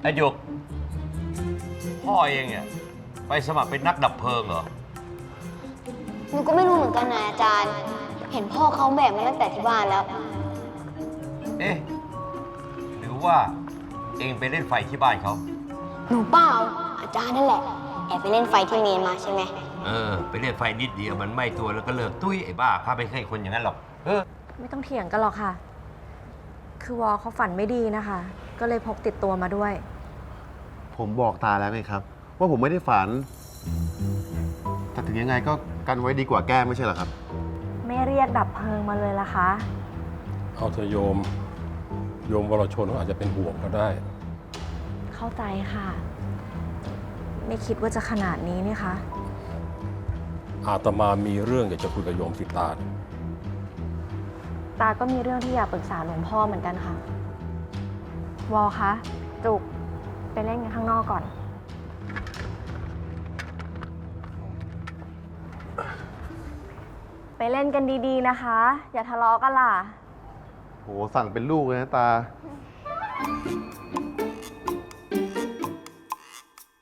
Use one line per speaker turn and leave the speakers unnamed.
ไอ้หยกพ่อเองเนี่ยไปสมัครเป็นนักดับเพลิงเหรอ
หนูก็ไม่รู้เหมือนกันนะอาจารย์ เห็นพ่อเขาแบกมาตั้งแต่ที่บ้านแล้ว
เอ๊ะหรือว่าเองไปเล่นไฟที่บ้านเขา
หนูเปล่าอาจารย์นั่นแหละแอบไปเล่นไฟที่เมนมาใช่ไหม
ไปเล่นไฟนิดเดียวมันไหม้ตัวแล้วก็เลิกตุ้ยไอ้บ้าข้าไม่เคยคนอย่างนั้นหรอก
ไม่ต้องเถียงกันหรอกค่ะ คือวอเขาฝันไม่ดีนะคะ ก็เลยพกติดตัวมาด้วย
ผมบอกตาแล้วไงครับ ว่าผมไม่ได้ฝัน แต่ถึงยังไงก็กันไว้ดีกว่าแก้ไม่ใช่เหรอครับ
ไม่เรียกดับเพลิงมาเลยล่ะคะ
เอาเถอะโยมวรชนเขาอาจจะเป็นห่วงก็ได้
เข้าใจค่ะ ไม่คิดว่าจะขนาดนี้นี่คะ
อาตมามีเรื่องอยากจะคุยกับโยมสิตา
ตาก็มีเรื่องที่อยากปรึกษาหลวงพ่อเหมือนกันค่ะ วอคะจุกไปเล่นกันข้างนอกก่อน ไปเล่นกันดีๆนะคะ อย่าทะเลาะกันล่ะ
โหสั่งเป็นลูกเลยนะตา